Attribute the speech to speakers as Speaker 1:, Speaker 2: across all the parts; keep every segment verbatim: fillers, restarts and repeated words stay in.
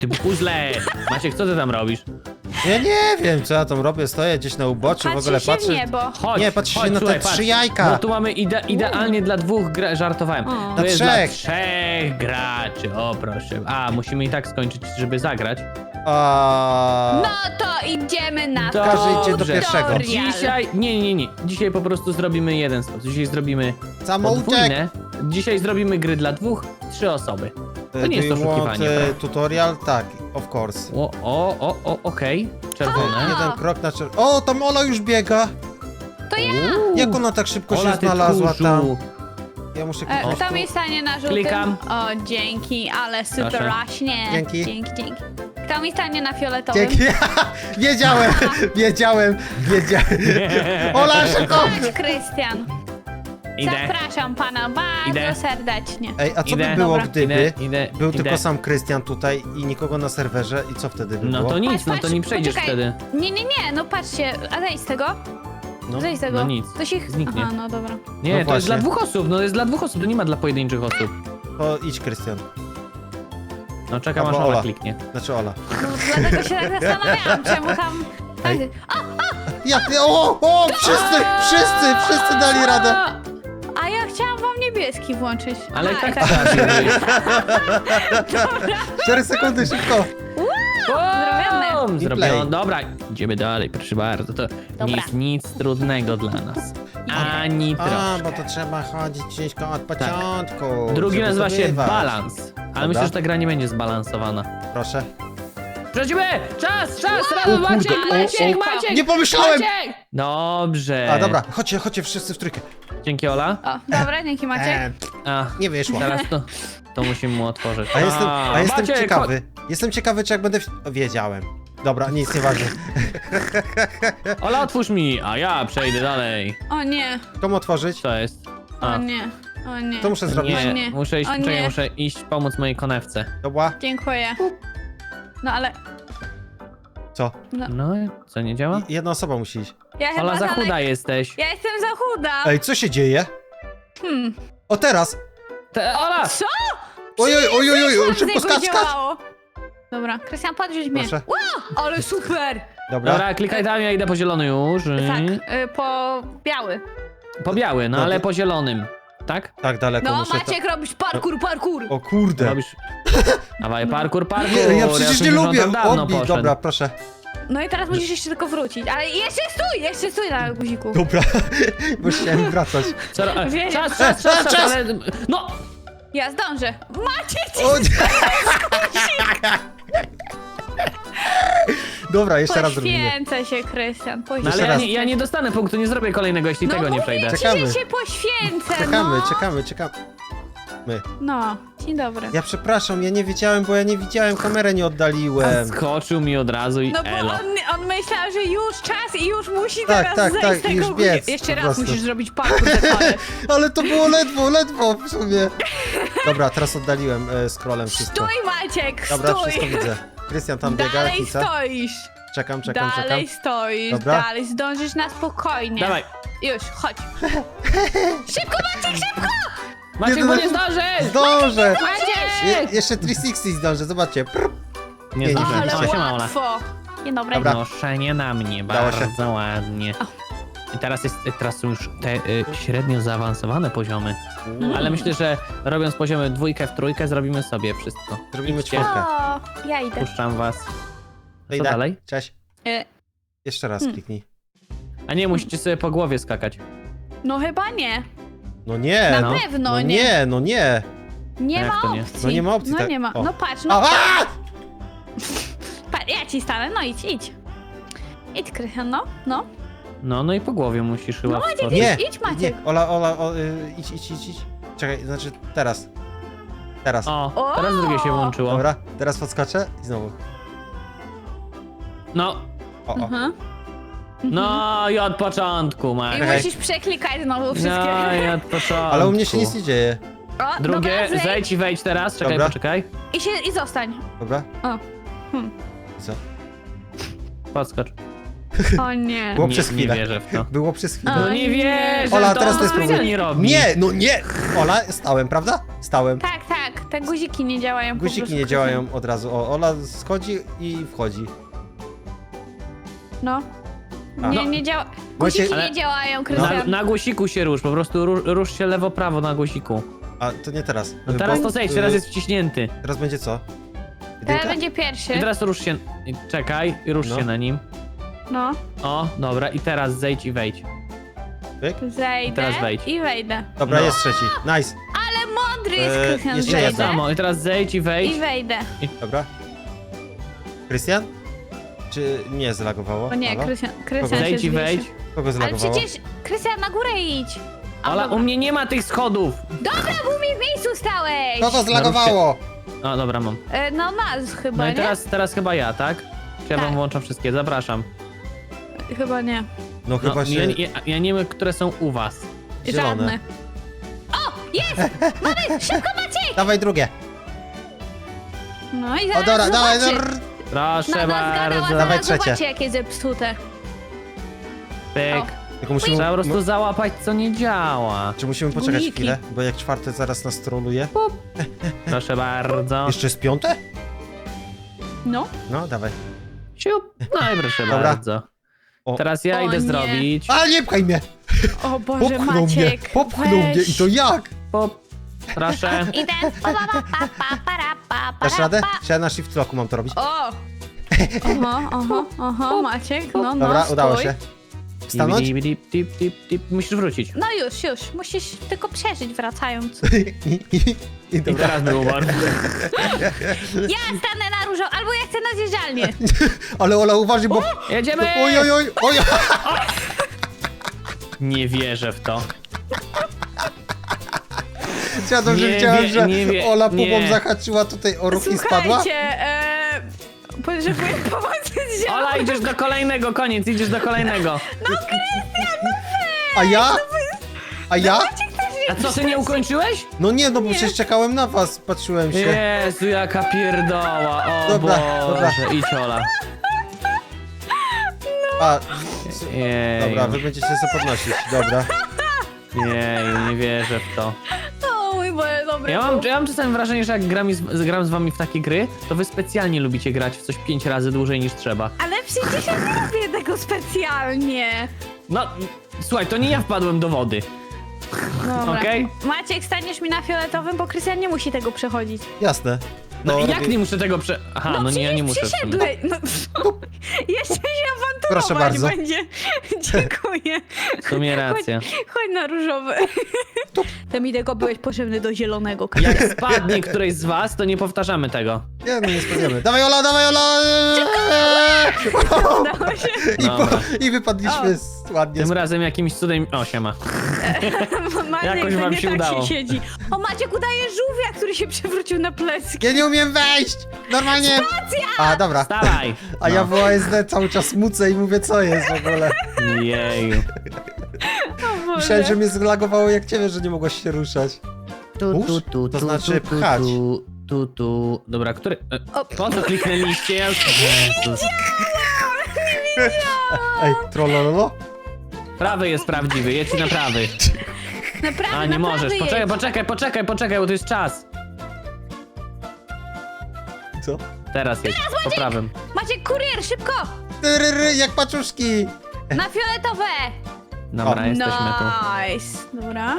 Speaker 1: Ty puzzle! Maciek, co ty tam robisz?
Speaker 2: Ja nie wiem, co ja tam robię, stoję gdzieś na uboczu, w ogóle
Speaker 3: Patrzy się w
Speaker 2: patrzę.
Speaker 3: niebo.
Speaker 1: Chodź,
Speaker 2: Nie, patrz się
Speaker 1: chodź,
Speaker 2: na te
Speaker 1: słuchaj,
Speaker 2: trzy
Speaker 1: patrz.
Speaker 2: jajka.
Speaker 1: No tu mamy ide idealnie dla dwóch gra żartowałem.
Speaker 3: O.
Speaker 1: To
Speaker 2: Dla
Speaker 1: jest
Speaker 2: trzech.
Speaker 1: dla trzech graczy, o proszę. A, musimy i tak skończyć, żeby zagrać.
Speaker 2: A...
Speaker 3: No to idziemy na
Speaker 1: Dobrze.
Speaker 2: Każdy idzie do pierwszego.
Speaker 3: tutorial.
Speaker 1: Dzisiaj, nie, nie, nie, dzisiaj po prostu zrobimy jeden stop. Dzisiaj zrobimy
Speaker 2: Samouczek.
Speaker 1: podwójne. Dzisiaj zrobimy gry dla dwóch, trzy osoby. To nie jest
Speaker 2: Do you want,
Speaker 1: oszukiwanie,
Speaker 2: e,
Speaker 1: prawda?
Speaker 2: tutorial? Tak, of course.
Speaker 1: O, o, o, o okej. Czerwone.
Speaker 2: Jeden krok na czerw... O, tam Ola już biega!
Speaker 3: To ja.
Speaker 1: Uuu.
Speaker 2: Jak ona tak szybko
Speaker 1: Ola,
Speaker 2: się
Speaker 1: ty
Speaker 2: znalazła
Speaker 1: tchórzu.
Speaker 2: tam? Ja muszę
Speaker 3: E,
Speaker 2: kliknąć
Speaker 3: kto
Speaker 2: tu.
Speaker 3: mi stanie na żółtym?
Speaker 1: Klikam.
Speaker 3: O, dzięki, ale super
Speaker 1: Proszę.
Speaker 3: rośnie.
Speaker 2: Dzięki.
Speaker 3: Dzięki, dzięki. Kto mi stanie na fioletowym?
Speaker 2: Dzięki. Wiedziałem, wiedziałem, wiedziałem. Ola, szybko!
Speaker 3: Chodź, Krystian.
Speaker 1: Idę,
Speaker 3: Zapraszam pana bardzo
Speaker 1: Idę.
Speaker 3: serdecznie.
Speaker 2: Ej, a co
Speaker 1: Idę.
Speaker 2: by było,
Speaker 3: Dobra.
Speaker 2: gdyby
Speaker 1: idę, idę,
Speaker 2: był
Speaker 1: idę.
Speaker 2: tylko sam Krystian tutaj i nikogo na serwerze i co wtedy by
Speaker 1: No
Speaker 2: było?
Speaker 1: to nic,
Speaker 3: Patrz,
Speaker 1: no to
Speaker 3: patrz,
Speaker 1: nie przejdziesz
Speaker 3: poczekaj.
Speaker 1: wtedy.
Speaker 3: Nie, nie, nie, no patrzcie, a zejdź z tego.
Speaker 2: No.
Speaker 3: Zejdź z tego.
Speaker 1: no nic,
Speaker 3: To się...
Speaker 1: zniknie.
Speaker 3: Aha, no dobra.
Speaker 1: Nie,
Speaker 2: No
Speaker 1: to jest dla
Speaker 2: właśnie.
Speaker 1: dwóch osób, no to jest dla dwóch osób, to nie ma dla pojedynczych osób.
Speaker 2: To idź, Krystian.
Speaker 1: No czekam
Speaker 2: Albo
Speaker 1: aż Ola
Speaker 2: Ola.
Speaker 1: kliknie.
Speaker 2: Znaczy Ola.
Speaker 3: No, dlatego się tak zastanawiałam, czemu tam... Tak,
Speaker 2: Ej. Ja, o, o, wszyscy, wszyscy, wszyscy dali radę.
Speaker 3: a ja chciałam wam niebieski włączyć.
Speaker 1: Ale
Speaker 3: A,
Speaker 1: tak trafiłeś.
Speaker 2: cztery sekundy, szybko.
Speaker 3: Zrobione.
Speaker 1: Bum,
Speaker 2: I
Speaker 1: Zrobione.
Speaker 2: play.
Speaker 1: Dobra, idziemy dalej, proszę bardzo. To nie
Speaker 3: Dobra.
Speaker 1: jest nic trudnego dla nas. Ani
Speaker 2: A,
Speaker 1: trochę.
Speaker 2: bo to trzeba chodzić ciężko od początku.
Speaker 1: Drugi
Speaker 2: żeby
Speaker 1: nazywa się
Speaker 2: zdobywać.
Speaker 1: balans. Ale
Speaker 2: Dobra.
Speaker 1: myślę, że ta gra nie będzie zbalansowana.
Speaker 2: Proszę.
Speaker 1: Przechodzimy! Czas, czas, razem,
Speaker 2: kurde,
Speaker 1: Maciek,
Speaker 2: o,
Speaker 1: Maciek,
Speaker 2: o.
Speaker 1: Maciek!
Speaker 2: Nie pomyślałem!
Speaker 1: Maciek! Dobrze.
Speaker 2: A, dobra, chodźcie, chodźcie wszyscy w trójkę.
Speaker 1: Dzięki, Ola.
Speaker 3: O, dobra, dzięki Maciek.
Speaker 2: E,
Speaker 1: A,
Speaker 2: nie wyszło.
Speaker 1: teraz to, to musimy mu otworzyć.
Speaker 2: A jestem, a jestem
Speaker 1: Maciek,
Speaker 2: ciekawy. Jestem ciekawy, czy jak będę... W... o, wiedziałem. Dobra, nic, nieważne.
Speaker 1: chodź. Ola, otwórz mi, a ja przejdę dalej.
Speaker 3: O nie,
Speaker 2: Komu otworzyć?
Speaker 1: Co jest?
Speaker 3: o
Speaker 1: A,
Speaker 3: nie, o nie.
Speaker 2: To muszę zrobić.
Speaker 1: nie,
Speaker 3: nie.
Speaker 1: muszę iść,
Speaker 3: O
Speaker 1: czekaj,
Speaker 3: nie.
Speaker 1: muszę iść pomóc mojej konewce.
Speaker 2: Dobra,
Speaker 3: Dziękuję. No ale...
Speaker 2: co?
Speaker 3: No,
Speaker 1: No, co, nie działa?
Speaker 2: I- Jedna osoba musi iść.
Speaker 3: ja chyba
Speaker 1: Ola, za
Speaker 3: dalej-
Speaker 1: chuda jesteś.
Speaker 3: Ja jestem za chuda.
Speaker 2: Ej, co się dzieje?
Speaker 3: Hmm.
Speaker 2: O, teraz!
Speaker 1: Te, Ola!
Speaker 3: Co?
Speaker 2: Oj, oj, oj, oj, oj,
Speaker 3: Zeszłam z
Speaker 2: szybko
Speaker 3: niego
Speaker 2: skacz,
Speaker 3: i
Speaker 2: skacz!
Speaker 3: działało. Dobra, Krystian, podrzuć mnie.
Speaker 2: Proszę.
Speaker 3: Wow, ale super!
Speaker 2: Dobra.
Speaker 1: Dobra, klikaj tam, ja idę po zielony już.
Speaker 3: Tak, y, po biały.
Speaker 1: Po biały, no
Speaker 2: No
Speaker 1: ale
Speaker 2: to-
Speaker 1: po zielonym. Tak?
Speaker 2: Tak daleko
Speaker 3: No,
Speaker 2: muszę...
Speaker 3: Maciek, robisz parkour, parkour.
Speaker 2: To... O kurde.
Speaker 1: Robisz... Dawaj, parkour, parkour.
Speaker 2: Nie, ja przecież
Speaker 1: myślę,
Speaker 2: nie
Speaker 1: że on
Speaker 2: lubię.
Speaker 1: tam dawno
Speaker 2: Odbij,
Speaker 1: poszedł.
Speaker 2: dobra, proszę.
Speaker 3: No i teraz musisz jeszcze tylko wrócić. Ale jeszcze stój, jeszcze stój na guziku.
Speaker 2: Dobra, bo chciałem wracać.
Speaker 1: Co, ro-
Speaker 3: Wiem.
Speaker 1: czas, czas, czas, czas,
Speaker 2: Czas!
Speaker 1: ale... No!
Speaker 3: Ja zdążę. Maciek, ci
Speaker 2: O, nie. Dobra, jeszcze raz zrobimy.
Speaker 3: poświęcę się, Krystian,
Speaker 1: No ale
Speaker 3: poświęcę.
Speaker 1: ja
Speaker 2: raz.
Speaker 1: nie, ja nie dostanę punktu, nie zrobię kolejnego, jeśli
Speaker 3: No
Speaker 1: tego nie
Speaker 3: mówię
Speaker 1: przejdę.
Speaker 3: ci,
Speaker 2: Czekamy.
Speaker 3: że się poświęcę,
Speaker 2: Czekamy,
Speaker 3: no.
Speaker 2: czekamy, czekamy. My.
Speaker 3: No, dzień dobry.
Speaker 2: Ja przepraszam, ja nie wiedziałem, bo ja nie widziałem, kamerę nie oddaliłem.
Speaker 1: Skoczył mi od razu i
Speaker 3: No bo
Speaker 1: elo.
Speaker 3: on, on myślał, że już czas i już musi
Speaker 2: Tak,
Speaker 3: teraz
Speaker 2: tak,
Speaker 3: zejść
Speaker 2: tak,
Speaker 3: z tego
Speaker 2: już
Speaker 3: guzi-
Speaker 2: biec,
Speaker 3: Jeszcze
Speaker 2: po
Speaker 3: raz
Speaker 2: prostu.
Speaker 3: musisz zrobić parkour default.
Speaker 2: Ale to było ledwo, ledwo w sumie. Dobra, teraz oddaliłem e, scrollem wszystko.
Speaker 3: Stój, Maciek,
Speaker 2: Dobra,
Speaker 3: stój.
Speaker 2: wszystko widzę. Krystian tam biega,
Speaker 3: Dalej
Speaker 2: Kica.
Speaker 3: stoisz.
Speaker 2: Czekam, czekam,
Speaker 3: Dalej
Speaker 2: czekam.
Speaker 3: stoisz,
Speaker 2: Dobra.
Speaker 3: dalej zdążysz na spokojnie.
Speaker 1: Dawaj.
Speaker 3: Już, chodź. Szybko, Maciek, szybko!
Speaker 1: Maciek,
Speaker 2: Nie,
Speaker 1: bo
Speaker 2: no-
Speaker 1: nie zdążysz!
Speaker 2: Zdążę! Je,
Speaker 3: Maciek!
Speaker 2: jeszcze trzysta sześćdziesiąt zdążę, zobaczcie. Prr.
Speaker 1: Nie
Speaker 2: Nie, nie
Speaker 1: zdążyłem.
Speaker 2: zdążyłem.
Speaker 3: Ale
Speaker 1: O, siema, Ola.
Speaker 3: łatwo. Dzień dobry.
Speaker 2: Dobra.
Speaker 1: Noszenie na mnie,
Speaker 2: Udało się.
Speaker 1: bardzo ładnie. I teraz, jest, teraz są już te y, średnio zaawansowane poziomy.
Speaker 3: Mm.
Speaker 1: Ale myślę, że robiąc poziomy dwójkę w trójkę zrobimy sobie wszystko.
Speaker 2: Zrobimy
Speaker 1: Idźcie.
Speaker 2: czwórkę.
Speaker 3: O, ja idę.
Speaker 1: Puszczam was. Co
Speaker 2: Idę.
Speaker 1: dalej?
Speaker 2: Cześć.
Speaker 3: E,
Speaker 2: Jeszcze raz
Speaker 3: Hmm.
Speaker 2: kliknij.
Speaker 1: A nie, musicie sobie po głowie skakać.
Speaker 3: no chyba nie.
Speaker 2: No nie.
Speaker 3: Na
Speaker 1: no.
Speaker 3: pewno
Speaker 2: No
Speaker 3: nie.
Speaker 2: nie, no nie.
Speaker 3: Nie
Speaker 1: Jak
Speaker 3: ma
Speaker 1: to nie?
Speaker 3: opcji.
Speaker 2: No nie ma opcji,
Speaker 3: No
Speaker 2: tak.
Speaker 3: nie ma.
Speaker 2: O.
Speaker 3: No patrz,
Speaker 2: A,
Speaker 3: no
Speaker 2: a!
Speaker 3: patrz, ja ci stanę, no idź, idź. Idź, Krystian, no, no.
Speaker 1: No, no i po głowie musisz chyba
Speaker 3: No, Maciek,
Speaker 1: wskoczyć.
Speaker 2: Nie,
Speaker 3: idź, Maciek.
Speaker 2: nie. Ola, Ola, o, y, idź, idź, idź, idź. Czekaj, znaczy teraz. Teraz.
Speaker 1: O,
Speaker 3: O!
Speaker 1: teraz drugie się włączyło.
Speaker 2: Dobra, teraz podskoczę i znowu.
Speaker 1: No,
Speaker 2: O, o.
Speaker 3: Mhm.
Speaker 1: no i od początku,
Speaker 3: I
Speaker 1: Marek.
Speaker 2: Czekaj.
Speaker 3: musisz przeklikać znowu wszystkie.
Speaker 1: No i od początku.
Speaker 2: Ale u mnie się nic nie dzieje.
Speaker 3: O,
Speaker 1: Drugie,
Speaker 3: dobra, zejdź.
Speaker 1: zejdź i wejdź teraz, czekaj,
Speaker 2: Dobra.
Speaker 1: poczekaj.
Speaker 3: I, się, I zostań.
Speaker 2: Dobra?
Speaker 3: O. Hmm.
Speaker 2: I co?
Speaker 1: Podskocz.
Speaker 3: O nie.
Speaker 2: Było
Speaker 1: Nie,
Speaker 2: przez
Speaker 1: nie
Speaker 2: chwilę.
Speaker 1: wierzę w to.
Speaker 2: Było przez chwilę.
Speaker 3: A.
Speaker 1: No nie wierzę,
Speaker 2: Ola,
Speaker 1: to
Speaker 2: teraz
Speaker 1: on
Speaker 2: ty
Speaker 1: to
Speaker 2: spróbuj.
Speaker 1: specjalnie robi.
Speaker 2: Nie, no nie! Ola, stałem, prawda? Stałem.
Speaker 3: Tak, tak. Te guziki nie działają po
Speaker 2: Guziki
Speaker 3: prostu,
Speaker 2: nie
Speaker 3: Krystian.
Speaker 2: działają od razu. O, Ola schodzi i wchodzi.
Speaker 3: No.
Speaker 2: A.
Speaker 3: Nie,
Speaker 1: No.
Speaker 3: nie działa.
Speaker 2: Właśnie-
Speaker 3: Guziki
Speaker 1: Ale-
Speaker 3: nie działają,
Speaker 1: Na,
Speaker 3: Krystian.
Speaker 1: na guziku się rusz, po prostu rusz, rusz się lewo-prawo na guziku.
Speaker 2: A, to nie teraz.
Speaker 1: No teraz
Speaker 2: Bo-
Speaker 1: to zejdź,
Speaker 2: y,
Speaker 1: teraz jest wciśnięty.
Speaker 2: Teraz będzie co?
Speaker 3: Teraz
Speaker 2: Jedynka?
Speaker 3: będzie pierwszy.
Speaker 1: I teraz rusz się, i czekaj, i rusz
Speaker 2: No.
Speaker 1: się na nim.
Speaker 3: No.
Speaker 1: O, dobra, i teraz zejdź i wejdź.
Speaker 2: Pyk?
Speaker 3: Zejdę
Speaker 1: I teraz wejdź.
Speaker 3: i wejdę.
Speaker 2: Dobra,
Speaker 1: No.
Speaker 2: jest trzeci. Nice.
Speaker 3: Ale mądry jest
Speaker 2: Eee,
Speaker 3: Krystian,
Speaker 2: jeszcze
Speaker 1: Tak
Speaker 2: jedno.
Speaker 3: zejdę
Speaker 1: samo, i teraz zejdź i wejdź.
Speaker 3: i wejdę.
Speaker 2: Dobra. Krystian? Czy nie zlagowało?
Speaker 3: O nie,
Speaker 2: Halo?
Speaker 3: Krystian, Krystian się
Speaker 1: Zejdź i
Speaker 3: zbliży.
Speaker 1: wejdź.
Speaker 2: Kogo
Speaker 3: Ale
Speaker 2: zlagowało?
Speaker 3: przecież, Krystian, na górę idź. A,
Speaker 1: Ale
Speaker 3: dobra.
Speaker 1: u mnie nie ma tych schodów.
Speaker 3: Dobra, bo mi w miejscu stałeś.
Speaker 2: Kogo zlagowało?
Speaker 1: O, dobra, mam.
Speaker 3: E, no nas chyba,
Speaker 1: No i
Speaker 3: nie?
Speaker 1: teraz, teraz chyba ja, tak? Czy ja
Speaker 3: Tak.
Speaker 1: wam włączam wszystkie? Zapraszam.
Speaker 3: Chyba nie.
Speaker 2: No
Speaker 1: No,
Speaker 2: chyba się...
Speaker 1: ja, ja, ja nie wiem, które są u was.
Speaker 2: Zielone.
Speaker 3: Żadne. O, jest! Mamy, szybko Maciej!
Speaker 2: Dawaj drugie.
Speaker 3: No i
Speaker 2: O
Speaker 3: zaraz
Speaker 2: dobra, dawaj.
Speaker 3: zobaczy.
Speaker 2: drr.
Speaker 1: Proszę
Speaker 3: Mama zgadała,
Speaker 1: bardzo.
Speaker 2: Dawaj
Speaker 3: zaraz
Speaker 2: trzecie.
Speaker 3: zobaczy jakie zepsute.
Speaker 1: Pyk.
Speaker 3: O.
Speaker 2: Tylko musimy...
Speaker 1: Trzeba po prostu
Speaker 2: mo-
Speaker 1: załapać, co nie działa.
Speaker 2: Czy musimy poczekać
Speaker 3: Guziki.
Speaker 2: chwilę? Bo jak czwarte zaraz nas troluje.
Speaker 1: Proszę bardzo.
Speaker 2: Jeszcze jest piąte?
Speaker 3: No.
Speaker 2: No, dawaj.
Speaker 1: Siup. No i proszę
Speaker 2: Dobra.
Speaker 1: bardzo.
Speaker 2: O.
Speaker 1: Teraz ja
Speaker 3: O
Speaker 1: idę
Speaker 3: nie.
Speaker 1: zrobić.
Speaker 2: Ale nie pchaj mnie!
Speaker 3: O Boże,
Speaker 2: Popchnął mnie!
Speaker 3: Maciek.
Speaker 2: Popchnął mnie
Speaker 3: weź.
Speaker 2: i to jak?
Speaker 1: Pop. Proszę.
Speaker 3: Idę. Pa, pa, pa, pa, pa, para, pa,
Speaker 2: Dasz
Speaker 3: para,
Speaker 2: radę?
Speaker 3: pa.
Speaker 2: Czy ja na shift locku mam to robić?
Speaker 3: O! Oho, oho, oho, Maciek, no, no,
Speaker 2: Dobra,
Speaker 3: stój.
Speaker 2: udało się. Stanąć?
Speaker 1: Dip, dip, dip, dip, dip. Musisz wrócić.
Speaker 3: No już, już, musisz tylko przeżyć wracając.
Speaker 2: I, i, i
Speaker 1: I
Speaker 2: dobra.
Speaker 1: teraz było bardzo.
Speaker 3: Ja stanę na różą, albo ja chcę na zjeżdżalnię.
Speaker 2: Ale Ola, uważaj, bo...
Speaker 1: Jedziemy!
Speaker 2: Oj, oj, oj, oj!
Speaker 1: Nie wierzę w to.
Speaker 2: Ja dobrze
Speaker 1: Nie
Speaker 2: widziałem,
Speaker 1: wie-
Speaker 2: że
Speaker 1: nie wie-
Speaker 2: Ola pupą
Speaker 1: nie.
Speaker 2: zahaczyła tutaj o ruch i spadła.
Speaker 3: Słuchajcie, e, potrzebuję pomocy z zielą.
Speaker 1: Ola, idziesz do kolejnego, koniec, idziesz do kolejnego.
Speaker 2: A ja? A ja?
Speaker 1: A co, ty nie ukończyłeś?
Speaker 2: No nie, no bo przecież czekałem na was, patrzyłem się.
Speaker 1: Jezu, jaka pierdoła, o
Speaker 2: Dobra,
Speaker 1: Boże,
Speaker 2: dobra.
Speaker 1: idź Ola.
Speaker 2: A,
Speaker 1: Jej,
Speaker 2: dobra, wy będziecie sobie podnosić, dobra.
Speaker 1: jej, nie wierzę w to.
Speaker 3: O mój Boże, dobry
Speaker 1: Ja mam,
Speaker 3: był.
Speaker 1: ja mam czasem wrażenie, że jak gram, z, gram z wami w takie gry, to wy specjalnie lubicie grać w coś pięć razy dłużej niż trzeba.
Speaker 3: Ale przecież ja nie robię tego specjalnie.
Speaker 1: No, słuchaj, to nie ja wpadłem do wody.
Speaker 3: Dobra.
Speaker 1: Okej.
Speaker 3: Maciek, staniesz mi na fioletowym, bo Krystian nie musi tego przechodzić.
Speaker 2: Jasne.
Speaker 1: No i jak
Speaker 2: robię-
Speaker 1: nie muszę tego prze... Aha, no, nie, ja nie muszę w sumie.
Speaker 3: Przyszedłeś. No, jeszcze się
Speaker 2: Proszę
Speaker 3: awanturować
Speaker 2: bardzo.
Speaker 3: będzie. Dziękuję.
Speaker 1: W sumie racja.
Speaker 3: Chodź na różowy. To mi tego byłeś potrzebny do zielonego.
Speaker 1: Jak spadnie któryś z was, to nie powtarzamy tego.
Speaker 2: Nie, no nie spadniemy. Dawaj Ola, dawaj Ola!
Speaker 3: Udało się.
Speaker 2: I, po,
Speaker 1: Dobra.
Speaker 2: I wypadliśmy z, ładnie.
Speaker 1: Tym
Speaker 2: Z...
Speaker 1: razem jakimś cudem... O, siema.
Speaker 3: Maciek,
Speaker 1: Jakoś
Speaker 3: to
Speaker 1: wam
Speaker 3: nie
Speaker 1: się
Speaker 3: tak
Speaker 1: udało.
Speaker 3: się siedzi. O, Maciek udaje żółwia, który się przewrócił na plecki.
Speaker 2: Ja nie umiem wejść! Normalnie! A, dobra.
Speaker 1: Stawaj!
Speaker 2: A ja
Speaker 1: No.
Speaker 2: w O S D cały czas mucę i mówię, co jest w ogóle.
Speaker 1: Jeju.
Speaker 3: O Boże.
Speaker 2: Myślałem, że mnie zlagowało jak ciebie, że nie mogłaś się ruszać.
Speaker 1: Tu,
Speaker 2: Push?
Speaker 1: tu, tu,
Speaker 2: To
Speaker 1: tu,
Speaker 2: znaczy
Speaker 1: tu, tu,
Speaker 2: pchać.
Speaker 1: Tu, tu, tu. Dobra, który... e,
Speaker 3: O.
Speaker 1: Po co kliknęliście? Ja już... Jezus.
Speaker 2: Ej, trollololo?
Speaker 1: Prawy jest prawdziwy, jedź na prawy.
Speaker 3: Naprawdę,
Speaker 1: A, nie możesz.
Speaker 3: naprawdę
Speaker 1: Poczekaj,
Speaker 3: jedź.
Speaker 1: poczekaj, poczekaj, poczekaj, bo to jest czas.
Speaker 2: Co?
Speaker 1: Teraz jest, po prawym.
Speaker 3: Maciek, kurier, szybko!
Speaker 2: Tyryry, jak paczuszki!
Speaker 3: Na fioletowe!
Speaker 1: Dobra,
Speaker 2: O.
Speaker 1: jesteśmy tu.
Speaker 3: Nice. Dobra.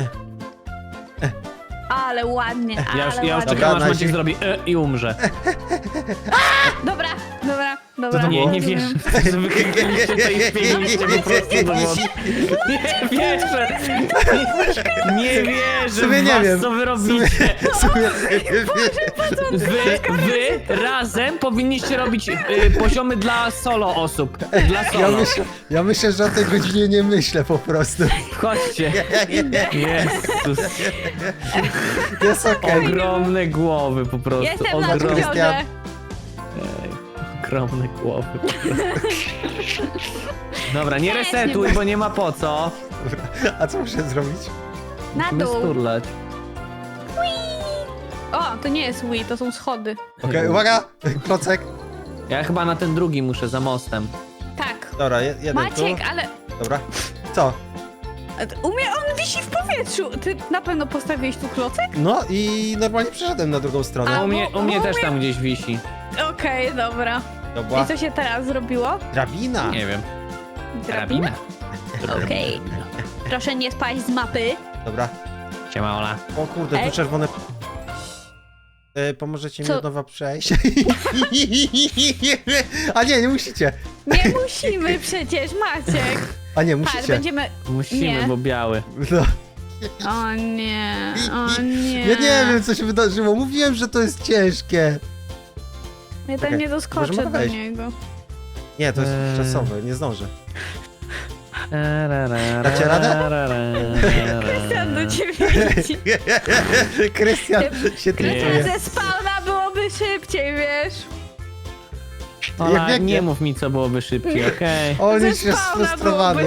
Speaker 3: Ale ładnie,
Speaker 1: Ja już,
Speaker 3: ale
Speaker 1: ja już
Speaker 3: ładnie.
Speaker 2: Dobra,
Speaker 1: czekam, aż
Speaker 2: na
Speaker 1: Maciek
Speaker 2: zi-
Speaker 1: zrobi e, i umrze.
Speaker 3: Dobra, dobra, dobra.
Speaker 2: to
Speaker 1: Nie, nie
Speaker 3: rozumiem.
Speaker 1: wierzę, że wykliknęliście to i wpięliście po prostu do wody. Nie wierzę! Nie, nie wierzę
Speaker 2: sobie
Speaker 1: w
Speaker 2: nie
Speaker 1: was,
Speaker 2: wiem.
Speaker 1: co wy robicie.
Speaker 2: Sobie,
Speaker 1: Wy, wy razem powinniście robić y, poziomy dla solo osób. Dla
Speaker 2: ja,
Speaker 1: solo.
Speaker 2: myślę, ja myślę, że o tej godzinie nie myślę po prostu.
Speaker 1: Chodźcie. Jezus.
Speaker 2: Jest okej.
Speaker 1: Ogromne głowy po prostu.
Speaker 3: Jestem na
Speaker 1: Ogromne,
Speaker 3: górze.
Speaker 1: ogromne głowy po prostu. Dobra, nie resetuj, bo nie ma po co.
Speaker 2: A co muszę zrobić?
Speaker 3: Na
Speaker 1: Musimy
Speaker 3: dół.
Speaker 1: sturlać.
Speaker 3: O, to nie jest Wii, to są schody.
Speaker 2: Okej, uwaga! Klocek.
Speaker 1: Ja chyba na ten drugi muszę, za mostem.
Speaker 3: Tak.
Speaker 2: Dobra, je- jeden
Speaker 3: Maciek,
Speaker 2: tu.
Speaker 3: ale
Speaker 2: Dobra. Co?
Speaker 3: umie on wisi w powietrzu. Ty na pewno postawiłeś tu klocek?
Speaker 2: No i normalnie przeszedłem na drugą stronę.
Speaker 1: A u mnie, u mnie
Speaker 3: bo-
Speaker 1: też tam gdzieś wisi.
Speaker 3: Okej, dobra.
Speaker 2: To była
Speaker 3: I co się teraz zrobiło?
Speaker 2: drabina.
Speaker 1: Nie wiem.
Speaker 3: Drabina? Okej. Proszę nie spaść z mapy.
Speaker 2: Dobra.
Speaker 1: Siema, Ola.
Speaker 2: O kurde, tu
Speaker 3: Ej.
Speaker 2: czerwone... E, pomożecie mi
Speaker 3: Co?
Speaker 2: od nowa przejść? A nie, nie musicie.
Speaker 3: Nie musimy przecież, Maciek.
Speaker 2: A nie,
Speaker 3: Patrz,
Speaker 2: musicie.
Speaker 3: będziemy...
Speaker 1: Musimy,
Speaker 3: Nie.
Speaker 1: bo biały.
Speaker 2: No.
Speaker 3: O nie, o nie.
Speaker 2: Ja nie wiem, co się wydarzyło. Mówiłem, że to jest ciężkie.
Speaker 3: Ja
Speaker 2: Czekaj,
Speaker 3: tam nie doskoczę
Speaker 2: możemy
Speaker 3: do
Speaker 2: wejść.
Speaker 3: niego.
Speaker 2: Nie, to jest
Speaker 1: Eee.
Speaker 2: czasowe, nie zdążę.
Speaker 1: Dacie
Speaker 2: Dacie radę?
Speaker 3: Krystian do ciebie idzie.
Speaker 2: Krystian się
Speaker 3: Krystian
Speaker 2: trytuje.
Speaker 3: ze spawna byłoby szybciej, wiesz?
Speaker 2: Jak
Speaker 1: Ola,
Speaker 2: biegnie.
Speaker 1: nie mów mi, co byłoby szybciej, okej?
Speaker 2: On
Speaker 3: Ze
Speaker 2: już jest
Speaker 3: spawna
Speaker 2: sfrustrowany.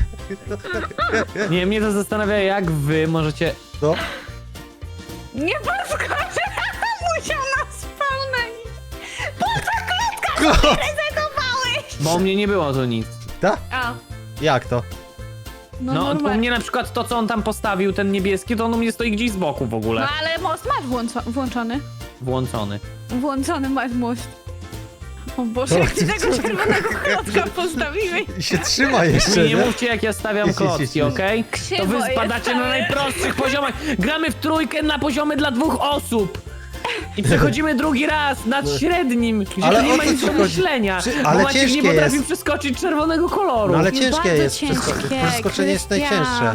Speaker 1: Nie, mnie to zastanawia, jak wy możecie...
Speaker 2: No.
Speaker 3: Nie podskoczę, musiał na spawna iść.
Speaker 2: Klo-
Speaker 3: Rezygowałeś!
Speaker 1: Bo u mnie nie było tu nic.
Speaker 2: Ta?
Speaker 3: A,
Speaker 2: Jak to?
Speaker 3: no,
Speaker 1: No, u
Speaker 3: normalnie.
Speaker 1: mnie na przykład to, co on tam postawił, ten niebieski, to on u mnie stoi gdzieś z boku w
Speaker 3: No
Speaker 1: ogóle.
Speaker 3: ale most masz włączo włączony.
Speaker 1: Włączony.
Speaker 3: Włączony masz most. O Boże, jak ty tego czerwonego klocka postawiłeś.
Speaker 2: I się trzyma jeszcze,
Speaker 1: Nie, nie
Speaker 2: nie?
Speaker 1: mówcie, jak ja stawiam
Speaker 2: Jest, jest, jest,
Speaker 1: klocki,
Speaker 2: jest.
Speaker 1: okej?
Speaker 3: Krzywo
Speaker 1: To wy
Speaker 3: jest
Speaker 1: spadacie na
Speaker 3: całe.
Speaker 1: najprostszych poziomach. Gramy w trójkę na poziomie dla dwóch osób. I przechodzimy drugi raz nad średnim, gdzie
Speaker 2: Ale
Speaker 1: nie
Speaker 2: o
Speaker 1: ma
Speaker 2: co
Speaker 1: nic
Speaker 2: ci
Speaker 1: do
Speaker 2: chodzi?
Speaker 1: myślenia.
Speaker 2: Przy-
Speaker 1: Bo
Speaker 2: ale
Speaker 1: Maciek nie
Speaker 2: ciężkie
Speaker 1: potrafi
Speaker 2: jest.
Speaker 1: przeskoczyć czerwonego koloru.
Speaker 2: No ale
Speaker 3: No
Speaker 2: ciężkie
Speaker 3: bardzo
Speaker 2: jest wszystko.
Speaker 3: ciężkie,
Speaker 2: Przeskoczenie jest
Speaker 3: Krystian.
Speaker 2: najcięższe.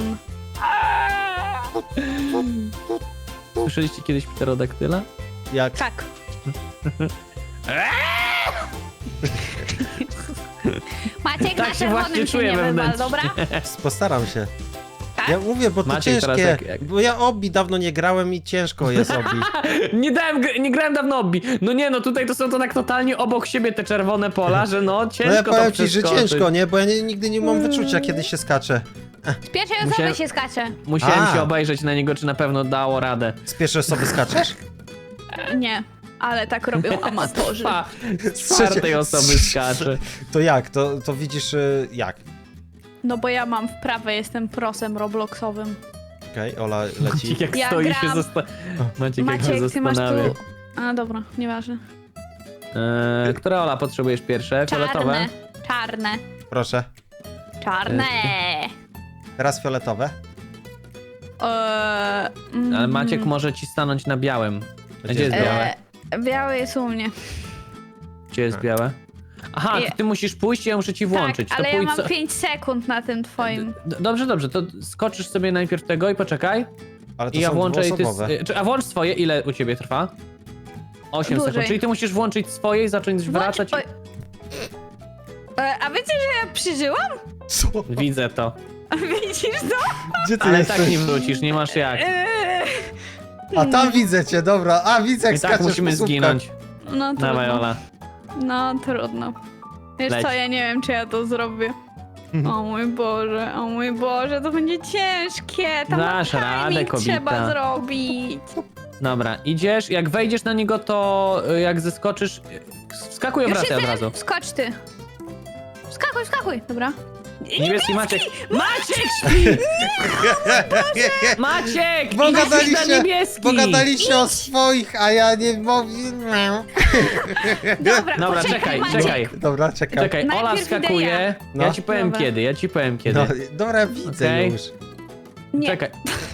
Speaker 1: Słyszeliście kiedyś pterodaktyla?
Speaker 2: Jak?
Speaker 3: Tak. Maciek
Speaker 1: Tak
Speaker 3: na
Speaker 1: się
Speaker 3: czerwonym
Speaker 1: właśnie
Speaker 3: się
Speaker 1: czuję
Speaker 3: nie wywal,
Speaker 1: wewnętrznie.
Speaker 3: dobra?
Speaker 2: Postaram się.
Speaker 3: Tak?
Speaker 2: Ja mówię, bo to
Speaker 1: Maciek teraz
Speaker 2: ciężkie.
Speaker 1: jak- jak-
Speaker 2: Bo ja obi dawno nie grałem i ciężko jest obi.
Speaker 1: Nie dałem, gr- nie grałem dawno obbi. No nie, no tutaj to są to tak totalnie obok siebie te czerwone pola, że no ciężko
Speaker 2: No ja
Speaker 1: to
Speaker 2: powiem ci, że
Speaker 1: przeskoczyć.
Speaker 2: ciężko, nie? Bo ja nie, nigdy nie mam wyczucia, kiedy się skacze.
Speaker 3: Z pierwszej osoby
Speaker 1: Musiałem-
Speaker 3: się skacze.
Speaker 1: Musiałem
Speaker 2: A.
Speaker 1: się obejrzeć na niego, czy na pewno dało radę.
Speaker 2: Z pierwszej osoby skaczesz?
Speaker 3: Nie, ale tak robią amatorzy.
Speaker 1: Pa, z czwartej osoby skacze.
Speaker 2: To jak? To, to widzisz y, jak?
Speaker 3: No bo ja mam wprawę, jestem prosem robloxowym.
Speaker 2: Okej, Ola leci.
Speaker 1: Maciek jak
Speaker 3: Ja
Speaker 1: stoi
Speaker 3: gram.
Speaker 1: się zosta... Maciek, jak się
Speaker 3: Maciek, ty masz
Speaker 1: zastanawia.
Speaker 3: tu... A dobra, nieważne.
Speaker 1: Eee, która Ola potrzebujesz pierwsze? Fioletowe?
Speaker 3: Czarne, czarne,
Speaker 2: Proszę.
Speaker 3: czarne.
Speaker 2: Teraz fioletowe.
Speaker 3: Eee, mm,
Speaker 1: Ale Maciek może ci stanąć na białym. A Gdzie jest
Speaker 2: jest
Speaker 1: białe?
Speaker 3: eee, białe jest u mnie.
Speaker 1: Gdzie jest białe? Aha,
Speaker 3: Je-
Speaker 1: to ty musisz pójść i ja muszę ci włączyć.
Speaker 3: Tak,
Speaker 1: to
Speaker 3: ale ja
Speaker 1: pójdź
Speaker 3: mam
Speaker 1: so-
Speaker 3: pięć sekund na tym twoim.
Speaker 1: D- Dobrze, dobrze, to skoczysz sobie najpierw tego i poczekaj.
Speaker 2: Ale to
Speaker 1: I ja
Speaker 2: są
Speaker 1: włączę i ty...
Speaker 2: dwuosobowe.
Speaker 1: s- czy- A włącz swoje, ile u ciebie trwa? osiem
Speaker 3: Dłużej.
Speaker 1: sekund, czyli ty musisz włączyć swoje i zacząć wracać.
Speaker 3: Oj. Eee, a wiecie, że ja przeżyłam?
Speaker 2: Co?
Speaker 1: Widzę to.
Speaker 3: Widzisz to?
Speaker 2: Gdzie ty
Speaker 1: Ale
Speaker 2: jesteś?
Speaker 1: tak nie wrócisz, nie masz jak.
Speaker 3: Eee,
Speaker 2: A tam widzę cię, dobra. A widzę jak
Speaker 1: I tak
Speaker 2: skaczesz
Speaker 1: musimy
Speaker 2: po słupkach.
Speaker 1: zginąć.
Speaker 3: no
Speaker 1: Dawaj,
Speaker 3: trudno.
Speaker 1: Ola.
Speaker 3: No trudno. Wiesz
Speaker 1: Leć.
Speaker 3: co, ja nie wiem, czy ja to zrobię. O mój Boże, o mój Boże, to będzie ciężkie. Tam
Speaker 1: Dasz radę,
Speaker 3: timing
Speaker 1: kobita.
Speaker 3: trzeba zrobić.
Speaker 1: Dobra, idziesz, jak wejdziesz na niego, to y, jak zeskoczysz, y, wskakuj i
Speaker 3: Już
Speaker 1: wracaj od
Speaker 3: jestem,
Speaker 1: razu.
Speaker 3: Wskocz ty. Wskakuj, wskakuj, dobra.
Speaker 1: Niebieski Maciek. Maciek śpi! Maciek!
Speaker 2: Bo
Speaker 1: idź na
Speaker 2: gadaliście,
Speaker 1: niebieski!
Speaker 2: bo gadaliście o swoich, a ja nie mogę.
Speaker 3: Dobra,
Speaker 1: Dobra,
Speaker 3: poczekaj,
Speaker 1: czekaj,
Speaker 3: Maciek.
Speaker 1: czekaj.
Speaker 2: Dobra, czekam.
Speaker 1: Czekaj, Ola
Speaker 3: Najpierw idę
Speaker 1: wskakuje.
Speaker 3: ja.
Speaker 2: No.
Speaker 1: Ja ci powiem
Speaker 3: Dobra.
Speaker 1: kiedy, ja ci powiem kiedy.
Speaker 2: No, dobra, widzę
Speaker 1: Okej.
Speaker 2: już.
Speaker 3: Nie.
Speaker 1: Czekaj.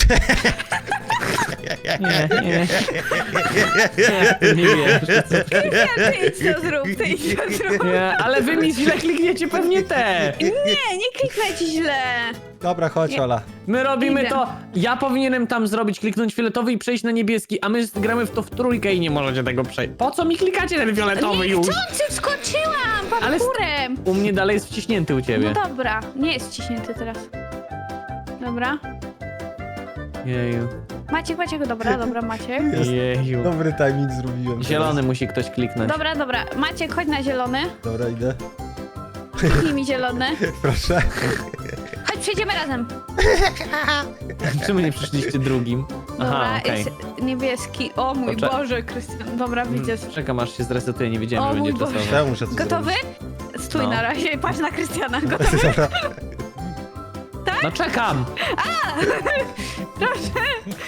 Speaker 1: Nie, nie. Nie, nie wierzę.
Speaker 3: Nie, ty idź to zrób, ty idź to zrób.
Speaker 1: Nie, ale wy mi źle klikniecie pewnie te.
Speaker 3: Nie, nie kliknę ci źle.
Speaker 2: Dobra, chodź,
Speaker 3: Nie.
Speaker 2: Ola.
Speaker 1: My robimy
Speaker 3: Idę.
Speaker 1: to. Ja powinienem tam zrobić, kliknąć fioletowy i przejść na niebieski, a my gramy w to w trójkę i nie możecie tego przejść. Po co mi klikacie ten fioletowy już?
Speaker 3: Niechcący wskoczyłam
Speaker 1: Ale st-
Speaker 3: parkurem.
Speaker 1: U mnie dalej jest wciśnięty u ciebie.
Speaker 3: No dobra, nie jest wciśnięty teraz. Dobra.
Speaker 1: Jeju.
Speaker 3: Maciek, Maciek, dobra, dobra, Maciek.
Speaker 2: Jest.
Speaker 1: Jeju.
Speaker 2: Dobry timing zrobiłem.
Speaker 1: Zielony musi ktoś kliknąć.
Speaker 3: Dobra, dobra, Maciek, chodź na zielony.
Speaker 2: Teraz. Dobra, idę.
Speaker 3: Kliknij mi zielony.
Speaker 2: Proszę.
Speaker 3: Chodź, przejdziemy razem.
Speaker 1: Czemu nie przyszliście drugim?
Speaker 3: Dobra,
Speaker 1: Aha, okej.
Speaker 3: jest niebieski. O mój
Speaker 1: Poczek-
Speaker 3: Boże, Krystian. Dobra, widzę.
Speaker 1: Mm, Czekam aż się zresetuje, nie wiedziałem,
Speaker 3: O
Speaker 1: że będzie
Speaker 3: mój Boże.
Speaker 1: czasowe.
Speaker 2: Ja muszę to
Speaker 3: Gotowy?
Speaker 2: zrobić.
Speaker 3: Stój
Speaker 1: No.
Speaker 3: na razie, patrz na Krystiana. Gotowy?
Speaker 2: Dobra.
Speaker 3: Tak?
Speaker 1: No czekam!
Speaker 3: Proszę.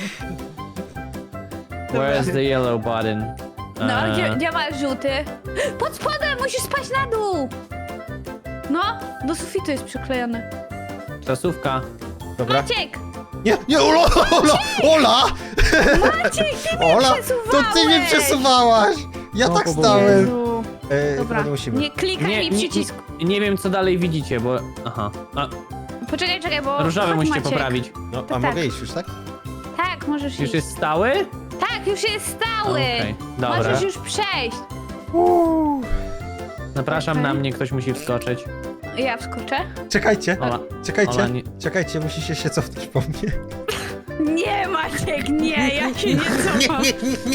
Speaker 1: Where's the yellow button?
Speaker 3: No,
Speaker 1: Eee,
Speaker 3: gdzie, gdzie masz żółty? Pod spodem, musisz spaść na dół. No, do sufitu jest przyklejony.
Speaker 1: Czasówka.
Speaker 2: Dobra.
Speaker 3: Maciek!
Speaker 2: Nie, nie, Ola, Ola, Ola!
Speaker 3: Maciek, ty mnie
Speaker 2: Ola,
Speaker 3: przesuwałeś!
Speaker 2: to ty mnie przesuwałaś! Ja
Speaker 1: O,
Speaker 2: tak
Speaker 1: bo-
Speaker 2: stałem.
Speaker 3: Jezu.
Speaker 2: E,
Speaker 3: Dobra,
Speaker 2: chyba nie musimy.
Speaker 3: nie klikaj
Speaker 1: Nie,
Speaker 3: mi
Speaker 1: nie,
Speaker 3: przycisku.
Speaker 1: nie, nie wiem co dalej widzicie, bo... Aha. A,
Speaker 3: Poczekaj, czekaj, bo...
Speaker 1: różowy
Speaker 3: chodź,
Speaker 1: musicie
Speaker 3: Maciek.
Speaker 1: poprawić.
Speaker 2: No, a
Speaker 3: tak.
Speaker 2: mogę iść już, tak?
Speaker 3: Tak, możesz
Speaker 1: Już
Speaker 3: iść.
Speaker 1: jest stały?
Speaker 3: Tak, już jest stały.
Speaker 1: Okej, dobra.
Speaker 3: Możesz już przejść.
Speaker 2: Uuu.
Speaker 1: Zapraszam
Speaker 3: Okej.
Speaker 1: na mnie, ktoś musi wskoczyć.
Speaker 3: Ja wskoczę?
Speaker 2: Czekajcie,
Speaker 1: Ola.
Speaker 2: czekajcie,
Speaker 1: Ola, nie-
Speaker 2: czekajcie, musicie się cofnąć po mnie.
Speaker 3: Nie, Maciek, nie, ja się nie cofam.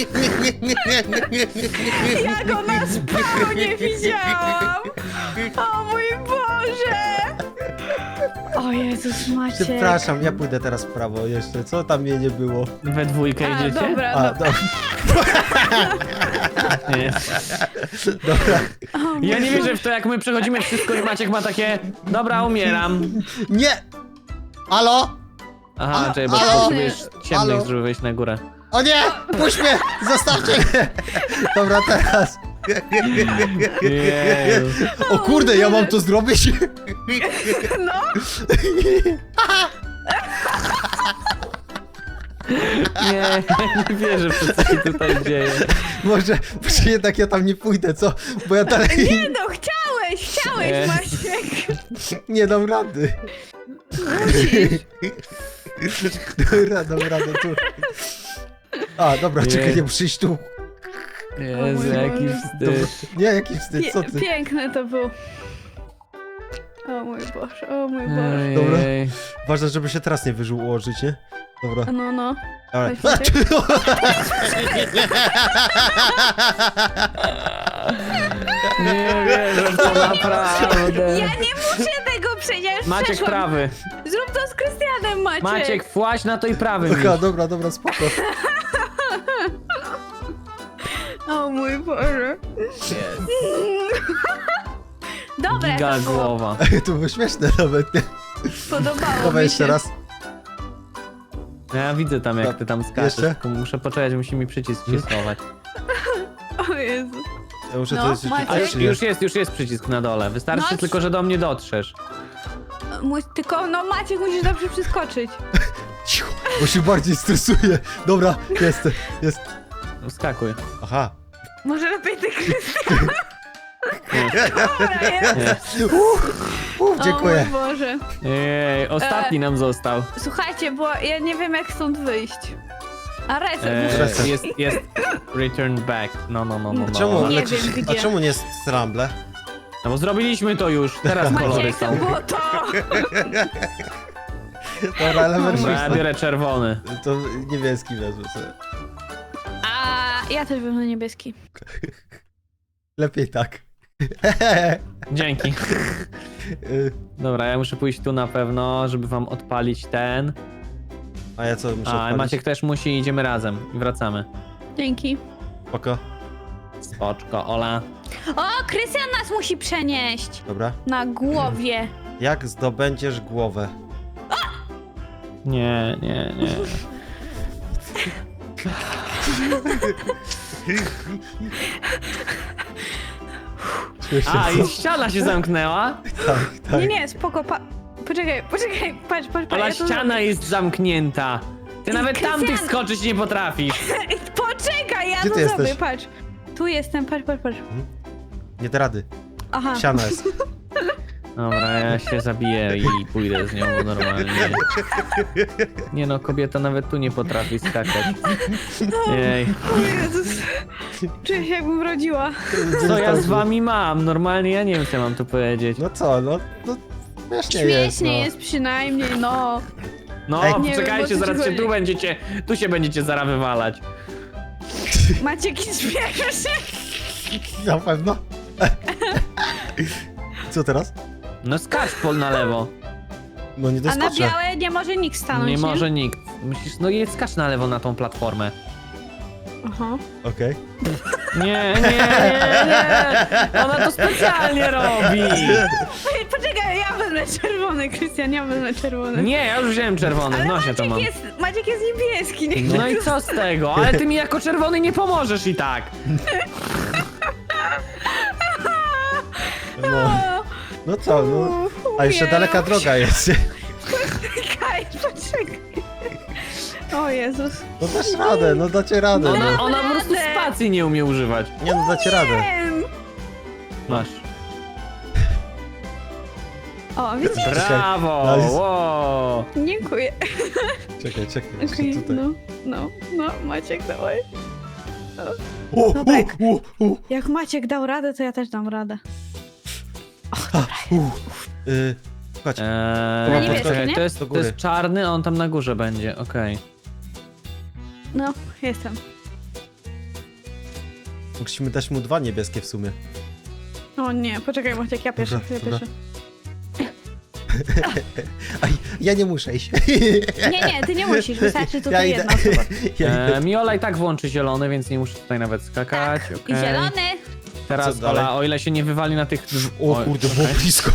Speaker 3: Ja go na spawnie widziałam. O mój Boże. O Jezus, Maciek.
Speaker 2: Przepraszam, ja pójdę teraz w prawo jeszcze. Co tam mnie nie było?
Speaker 1: We dwójkę
Speaker 3: A,
Speaker 1: idziecie?
Speaker 3: dobra,
Speaker 2: A,
Speaker 3: dobra.
Speaker 2: do,
Speaker 1: Nie.
Speaker 2: dobra.
Speaker 3: O mój
Speaker 1: Ja nie
Speaker 3: Boże.
Speaker 1: wierzę w to, jak my przechodzimy wszystko i Maciek ma takie... Dobra, umieram.
Speaker 2: Nie! Halo?
Speaker 1: Aha,
Speaker 2: A-
Speaker 1: czekaj, bo
Speaker 2: halo?
Speaker 1: potrzebujesz ciemnych,
Speaker 2: Halo?
Speaker 1: żeby wejść na górę.
Speaker 2: O nie! Puść mnie! Zostawcie mnie! Dobra, teraz.
Speaker 1: Jeju.
Speaker 2: O kurde, ja mam to zrobić?
Speaker 3: No,
Speaker 1: Nie, ja nie wierzę w to, co się tutaj dzieje.
Speaker 2: Może, może jednak ja tam nie pójdę, co? Bo ja dalej
Speaker 3: nie no, chciałeś, chciałeś,
Speaker 1: Nie.
Speaker 3: Maciek.
Speaker 2: nie dam rady. Dobra, dam radę tu. A, dobra,
Speaker 1: Nie.
Speaker 2: czekaj, nie muszę iść tu.
Speaker 1: Jezu,
Speaker 3: mój
Speaker 1: jaki
Speaker 3: Boże.
Speaker 2: Dobra.
Speaker 1: wstyd.
Speaker 2: Nie, jaki wstyd, co
Speaker 3: Pie
Speaker 2: ty?
Speaker 3: piękne to było. O mój Boże, o mój Boże.
Speaker 2: Dobra.
Speaker 1: Ojej.
Speaker 2: Ważne, żeby się teraz nie wyżył ułożyć, nie? Dobra.
Speaker 3: No, no.
Speaker 2: Dobra.
Speaker 3: Weź Maciek.
Speaker 1: Nie wierzę w to naprawdę.
Speaker 3: Ja nie muszę tego przejść, ja już
Speaker 1: Maciek
Speaker 3: przeszłam.
Speaker 1: prawy.
Speaker 3: Zrób to z Krystianem, Maciek.
Speaker 1: Maciek, właź na to i prawy.
Speaker 2: Dobra, dobra, dobra, spoko.
Speaker 3: O mój Boże. Dobra,
Speaker 1: Giga
Speaker 3: to było,
Speaker 1: głowa.
Speaker 2: To było śmieszne nawet, nie?
Speaker 3: podobało
Speaker 2: Dobra,
Speaker 3: mi
Speaker 2: jeszcze
Speaker 3: się.
Speaker 2: raz.
Speaker 1: Ja widzę tam, jak ty tam skaczesz.
Speaker 2: Jeszcze?
Speaker 1: Tylko muszę poczekać, musi mi przycisk się schować.
Speaker 3: O Jezu.
Speaker 2: Ja muszę
Speaker 3: No,
Speaker 2: to jeszcze
Speaker 3: Maciek.
Speaker 1: A
Speaker 2: klikać,
Speaker 1: już,
Speaker 2: czy nie?
Speaker 1: już jest, już jest przycisk na dole. Wystarczy
Speaker 3: No,
Speaker 1: tylko, że do mnie dotrzesz.
Speaker 3: Mój, tylko, no Maciek, musisz dobrze przeskoczyć.
Speaker 2: Cicho, bo się bardziej stresuję. Dobra, jest, jest.
Speaker 1: Wskakuj.
Speaker 2: Aha.
Speaker 3: Może lepiej ty, Krystian.
Speaker 1: Nie.
Speaker 3: Dobra, jest.
Speaker 1: Nie.
Speaker 2: Uff, uff, dziękuję.
Speaker 3: O mój Boże.
Speaker 1: Ej, ostatni nam został.
Speaker 3: Słuchajcie, bo ja nie wiem, jak stąd wyjść. A reset muszę...
Speaker 2: Reset.
Speaker 1: E, jest, jest return back. No, no, no, no. no.
Speaker 2: Czemu
Speaker 3: Nie
Speaker 2: lecisz?
Speaker 3: wiem,
Speaker 2: A
Speaker 3: gdzie.
Speaker 2: czemu nie jest stramble?
Speaker 1: No bo zrobiliśmy to już. Teraz kolory
Speaker 3: Maciek, to
Speaker 1: są.
Speaker 3: było to.
Speaker 2: Dobra, element
Speaker 1: Dobra, ja
Speaker 2: szósty.
Speaker 1: biorę czerwony.
Speaker 2: To niebieski wezmę sobie.
Speaker 3: A ja też wezmę niebieski.
Speaker 2: Lepiej tak.
Speaker 1: Dzięki.
Speaker 2: Y,
Speaker 1: Dobra, ja muszę pójść tu na pewno, żeby wam odpalić ten.
Speaker 2: A ja co muszę
Speaker 1: A,
Speaker 2: odpalić?
Speaker 1: Maciek też musi, idziemy razem i wracamy.
Speaker 3: Dzięki.
Speaker 2: Spoko.
Speaker 1: Spoczko, Ola.
Speaker 3: O, Krystian nas musi przenieść.
Speaker 2: Dobra.
Speaker 3: Na głowie.
Speaker 2: Jak zdobędziesz głowę?
Speaker 1: Nie, nie, nie.
Speaker 2: Śmiesznie,
Speaker 1: A,
Speaker 2: co?
Speaker 1: i ściana się zamknęła?
Speaker 2: Tak, tak.
Speaker 3: Nie, nie, spoko, pa... Poczekaj, poczekaj, patrz, patrz, patrz.
Speaker 1: Ola,
Speaker 3: ja to
Speaker 1: ściana jest zamknięta. Ty nawet
Speaker 3: Krystian!
Speaker 1: tamtych skoczyć nie potrafisz.
Speaker 3: zrobię. Poczekaj, ja
Speaker 2: Gdzie
Speaker 3: to
Speaker 2: ty
Speaker 3: zrobię,
Speaker 2: jesteś?
Speaker 3: patrz. Tu jestem, patrz, patrz, patrz.
Speaker 2: Nie da rady.
Speaker 3: Aha.
Speaker 2: Siana jest.
Speaker 1: Dobra, ja się zabiję i pójdę z nią normalnie. Nie no, kobieta nawet tu nie potrafi skakać. Jej.
Speaker 3: O Jezus. Czuję się, jakbym rodziła.
Speaker 1: Co ja z wami mam? Normalnie ja nie wiem, co ja mam tu powiedzieć.
Speaker 2: No co, no, no śmiesznie jest,
Speaker 3: Śmiesznie
Speaker 2: no.
Speaker 3: jest przynajmniej, no.
Speaker 1: No,
Speaker 2: Ej.
Speaker 3: Nie wiem,
Speaker 1: poczekajcie,
Speaker 3: o co ci
Speaker 1: zaraz się
Speaker 3: chodzi.
Speaker 1: tu będziecie, tu się będziecie zaraz wywalać.
Speaker 3: Maciek i śmieszy.
Speaker 2: Na pewno. Co teraz?
Speaker 1: No skacz pol na lewo.
Speaker 2: No nie
Speaker 3: A na
Speaker 2: doskoczę.
Speaker 3: białe nie może nikt stanąć,
Speaker 1: Nie może nikt. Musisz, no jedź skacz na lewo na tą platformę.
Speaker 3: Aha.
Speaker 2: Okej.
Speaker 1: Nie, nie, nie, nie. Ona to specjalnie robi.
Speaker 3: Poczekaj, ja wezmę czerwony, Krystian, ja wezmę czerwony.
Speaker 1: Nie, ja już wziąłem czerwony, w
Speaker 3: Ale
Speaker 1: nosie to
Speaker 3: Maciek
Speaker 1: mam.
Speaker 3: jest, Maciek jest niebieski, nie?
Speaker 1: No i co z tego? Ale ty mi jako czerwony nie pomożesz i tak.
Speaker 2: No, no co, no. A jeszcze
Speaker 3: Umieram.
Speaker 2: daleka droga jest.
Speaker 3: Czekaj, poczekaj. O Jezus.
Speaker 2: No dasz radę, no dacie radę,
Speaker 1: Ona,
Speaker 2: no.
Speaker 1: ona po prostu
Speaker 3: radę.
Speaker 1: spacji nie umie używać.
Speaker 2: Nie no, dacie radę.
Speaker 3: Wiem.
Speaker 1: Masz.
Speaker 3: O, widzisz?
Speaker 1: Brawo!
Speaker 2: No, jest-
Speaker 1: Wow.
Speaker 3: Dziękuję.
Speaker 2: Czekaj, czekaj, jeszcze
Speaker 3: Okej,
Speaker 2: tutaj.
Speaker 3: no, no, no, Maciek, dawaj.
Speaker 2: O,
Speaker 3: No tak.
Speaker 2: o, o, o.
Speaker 3: Jak Maciek dał radę, to ja też dam radę.
Speaker 2: Uff, y, Słuchajcie,
Speaker 1: Eee,
Speaker 3: Na niebieskie,
Speaker 1: czekaj,
Speaker 3: nie?
Speaker 1: to jest,
Speaker 2: Do
Speaker 1: to
Speaker 2: góry.
Speaker 1: jest czarny, a on tam na górze będzie, okej.
Speaker 3: No, jestem.
Speaker 2: musimy dać mu dwa niebieskie w sumie.
Speaker 3: O nie, poczekaj Maciek, ja pierwszy,
Speaker 2: Dobra,
Speaker 3: ja
Speaker 2: dobra.
Speaker 3: pierwszy.
Speaker 2: Aj, ja nie muszę iść.
Speaker 3: Nie, nie, ty nie musisz, wystarczy
Speaker 2: Ja
Speaker 3: tutaj
Speaker 2: idę.
Speaker 3: jedna osoba.
Speaker 2: Ja idę.
Speaker 1: Eee, Miola i tak włączy zielony, więc nie muszę tutaj nawet skakać,
Speaker 3: Tak,
Speaker 1: okej.
Speaker 3: i zielony.
Speaker 1: Teraz
Speaker 2: Co dalej?
Speaker 1: Ola, o ile się nie wywali na tych... drz-
Speaker 2: O
Speaker 1: Oj,
Speaker 2: kurde,
Speaker 1: okej.
Speaker 2: było blisko.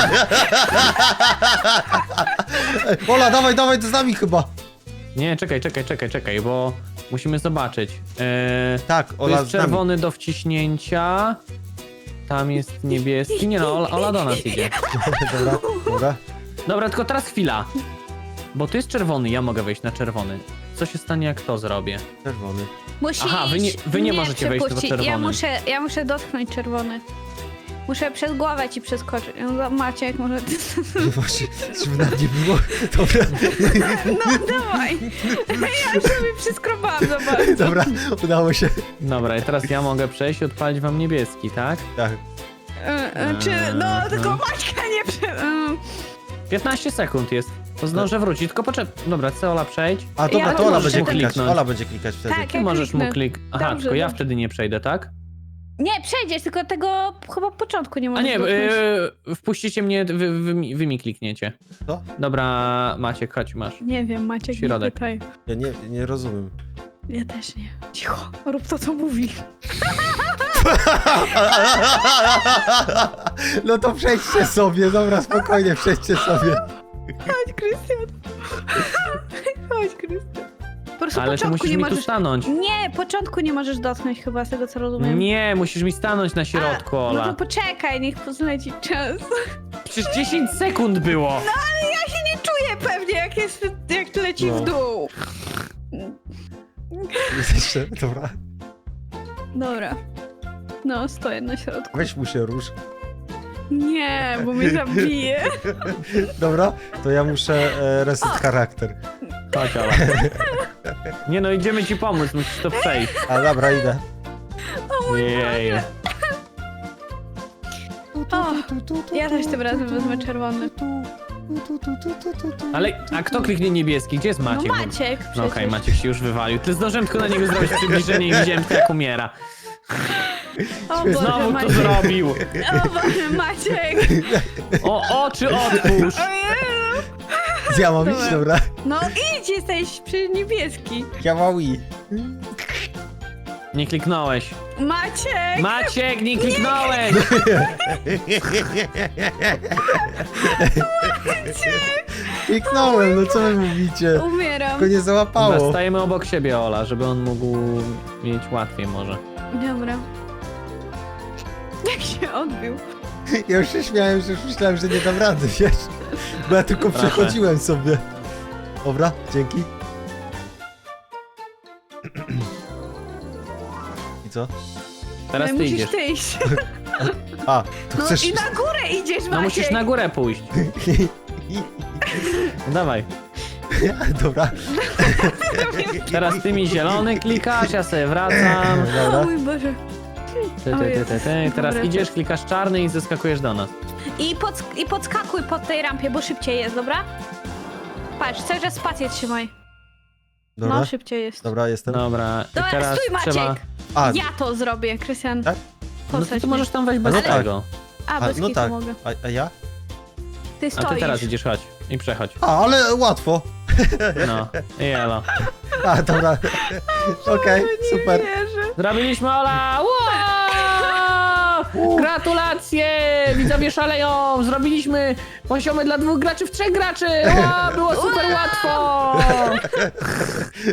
Speaker 2: Ola, dawaj, dawaj, to z nami chyba.
Speaker 1: Nie, czekaj, czekaj, czekaj, czekaj, bo musimy zobaczyć. Eee,
Speaker 2: Tak,
Speaker 1: tu
Speaker 2: Ola
Speaker 1: jest
Speaker 2: z nami.
Speaker 1: czerwony do wciśnięcia. Tam jest niebieski. Nie no, Ola, Ola do nas idzie.
Speaker 2: Dobra, dobra.
Speaker 1: Dobra, tylko teraz chwila. Bo tu jest czerwony, ja mogę wejść na czerwony. Co się stanie, jak to zrobię?
Speaker 2: Czerwony.
Speaker 3: Musisz
Speaker 1: Aha, wy nie- wy nie możecie wejść tylko
Speaker 3: przepuścić. Ja
Speaker 1: czerwonym.
Speaker 3: muszę, ja muszę dotknąć czerwony. Muszę przez głowę ci przeskoczyć. No, Maciek, może ty...
Speaker 2: No właśnie, żeby nam nie było. Dobra,
Speaker 3: No, dawaj. Ja już sobie przyskrobałam, zobacz.
Speaker 2: dobra, udało się.
Speaker 1: Dobra, i teraz ja mogę przejść i odpalić wam niebieski, tak?
Speaker 2: Tak.
Speaker 3: E, e, Czy, no, tylko Maćka nie prze... e,
Speaker 1: piętnaście sekund jest. To zdążę wrócić, tylko poczekaj. Dobra, chcę Ola przejść.
Speaker 2: A dobra,
Speaker 3: Ja
Speaker 2: to Ola
Speaker 1: możesz
Speaker 2: będzie
Speaker 1: mu
Speaker 2: klikać.
Speaker 1: kliknąć.
Speaker 2: Ola będzie klikać wtedy.
Speaker 3: Tak.
Speaker 1: Ty
Speaker 3: Ja
Speaker 1: możesz mu
Speaker 3: kliknę.
Speaker 1: klik... Aha,
Speaker 3: Dobrze,
Speaker 1: tylko ja
Speaker 3: dobrze.
Speaker 1: wtedy nie przejdę, tak?
Speaker 3: Nie, przejdziesz, tylko tego chyba początku nie
Speaker 1: A
Speaker 3: możesz
Speaker 1: nie,
Speaker 3: dotknąć.
Speaker 1: yy, wpuścicie mnie, wy, wy, mi- wy mi klikniecie.
Speaker 2: Co?
Speaker 1: Dobra, Maciek, chodź, masz.
Speaker 3: Nie wiem, Maciek, nie
Speaker 1: Środek.
Speaker 3: pytaj.
Speaker 2: Ja nie, nie rozumiem.
Speaker 3: Ja też nie. Cicho, rób to, co mówi.
Speaker 2: No to przejdźcie sobie, dobra, spokojnie, przejdźcie sobie.
Speaker 3: Chodź, Krystian. Chodź, Krystian. Po prostu
Speaker 1: Ale ty
Speaker 3: początku
Speaker 1: musisz
Speaker 3: nie
Speaker 1: mi
Speaker 3: możesz...
Speaker 1: tu stanąć.
Speaker 3: Nie, początku nie możesz dotknąć chyba, z tego co rozumiem.
Speaker 1: Nie, musisz mi stanąć na środku,
Speaker 3: A,
Speaker 1: Ola.
Speaker 3: No to poczekaj, niech pozleci czas.
Speaker 1: Przecież dziesięć sekund było.
Speaker 3: Ale ja się nie czuję pewnie, jak, jest, jak leci
Speaker 2: No.
Speaker 3: w dół.
Speaker 2: Jest jeszcze, dobra.
Speaker 3: Dobra. No, stoję na środku.
Speaker 2: Weź mu się rusz.
Speaker 3: Nie, bo mnie zabije.
Speaker 2: Dobra, to ja muszę e, reset charakter.
Speaker 1: Chodź, Ola. Nie no, idziemy ci pomóc, musisz to przejść.
Speaker 2: A dobra, idę.
Speaker 1: Jej.
Speaker 3: O, ja też tym razem wezmę czerwony.
Speaker 1: Ale, a kto kliknie niebieski? Gdzie jest
Speaker 3: No
Speaker 1: Maciek?
Speaker 3: Maciek przecież.
Speaker 1: No okej, Maciek się już wywalił. Ty zdążyłem tylko na niego zrobić przybliżenie i widziałem tylko jak umiera.
Speaker 3: O Boże,
Speaker 1: Znowu to
Speaker 3: Maciek.
Speaker 1: zrobił.
Speaker 3: O Boże, Maciek.
Speaker 1: O, oczy otwórz.
Speaker 3: Ojeju.
Speaker 2: Ja mam iść,
Speaker 3: Dobra.
Speaker 2: dobra.
Speaker 3: No idź, jesteś przy niebieski.
Speaker 2: Ja mam i.
Speaker 1: Nie kliknąłeś.
Speaker 3: Maciek.
Speaker 1: Maciek, nie kliknąłeś.
Speaker 2: Kliknąłem, no co wy mówicie?
Speaker 3: Umieram.
Speaker 2: Tylko nie załapało.
Speaker 1: Dobra, stajemy obok siebie, Ola, żeby on mógł mieć łatwiej może.
Speaker 3: Dobra. Jak się odbił.
Speaker 2: Ja już się śmiałem, że już myślałem, że nie dam rady, wiesz? Bo ja tylko
Speaker 1: Proszę.
Speaker 2: przechodziłem sobie. Dobra, dzięki. I co?
Speaker 1: Teraz
Speaker 3: Ale
Speaker 1: ty
Speaker 3: musisz
Speaker 1: idziesz.
Speaker 3: ty iść.
Speaker 2: A, tu
Speaker 3: No
Speaker 2: chcesz...
Speaker 3: i na górę idziesz, Maciek.
Speaker 1: No musisz na górę pójść. Dawaj.
Speaker 2: Dobra,
Speaker 1: Teraz ty mi zielony klikasz, ja sobie wracam.
Speaker 3: O
Speaker 2: dobra.
Speaker 3: mój Boże.
Speaker 1: Ty, ty, ty, ty, ty. Teraz
Speaker 3: Dobra.
Speaker 1: idziesz, klikasz czarny i zeskakujesz do nas.
Speaker 3: I, pod, I podskakuj pod tej rampie, bo szybciej jest, dobra? Patrz, cały czas spację trzymaj.
Speaker 2: Dobra,
Speaker 3: No, szybciej jest.
Speaker 2: dobra, jestem.
Speaker 1: Dobra, i
Speaker 3: Dobra,
Speaker 1: teraz
Speaker 3: stój, Maciek.
Speaker 1: trzeba...
Speaker 2: A,
Speaker 3: Ja to zrobię, Krystian.
Speaker 2: Tak?
Speaker 1: No to
Speaker 3: Posać
Speaker 1: ty
Speaker 3: mnie.
Speaker 1: możesz tam wejść bez
Speaker 2: No tak.
Speaker 1: tego.
Speaker 3: A,
Speaker 2: a
Speaker 3: bez
Speaker 2: no
Speaker 3: kitu
Speaker 2: tak.
Speaker 3: mogę.
Speaker 2: A, a ja?
Speaker 3: Ty
Speaker 1: A
Speaker 3: stoisz.
Speaker 1: ty teraz idziesz, chodź. I przechodź.
Speaker 2: A, ale łatwo.
Speaker 1: No, i elo.
Speaker 2: A, dobra. Okej, super.
Speaker 3: Nie wierzę.
Speaker 1: Zrobiliśmy Ola! Wow! Gratulacje! Widzowie szaleją! Zrobiliśmy poziomy dla dwóch graczy w trzech graczy! Ła, było super łatwo!